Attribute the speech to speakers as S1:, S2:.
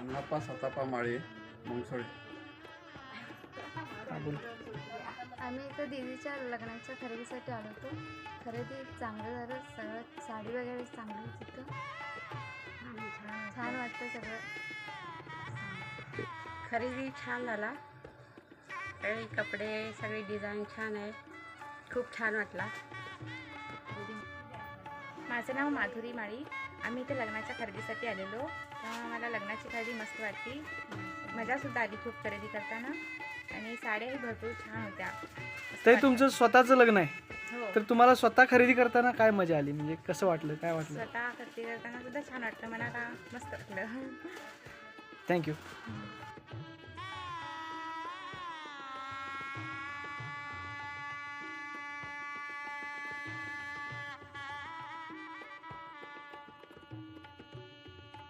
S1: अण्णाप्पा सतापा माळी मंगसोळी.
S2: आम्ही इथं दीदीच्या लग्नाच्या खरेदीसाठी आलो होतो. खरेदी चांगलं झालं, सगळं साडी वगैरे चांगली होती तिथं. छान वाटतं सगळं.
S3: खरेदी छान झाला. सगळे कपडे सगळे डिझाईन छान आहे. खूप छान वाटला.
S4: माझं नाव माधुरी माळी. आम्ही इथे लग्नाच्या खरेदीसाठी आलेलो. मला लग्नाची खरेदी मस्त वाटली. मजासुद्धा आली खूप खरेदी करताना आणि साड्याही भरपूर छान होत्या.
S5: ते तुमचं स्वतःचं लग्न आहे,
S4: हो,
S5: तर तुम्हाला स्वतः खरेदी करताना काय मजा आली, म्हणजे कसं वाटलं, काय वाटलं?
S4: स्वतः खरेदी करताना सुद्धा छान वाटलं. मला मस्त वाटलं.
S5: थँक्यू.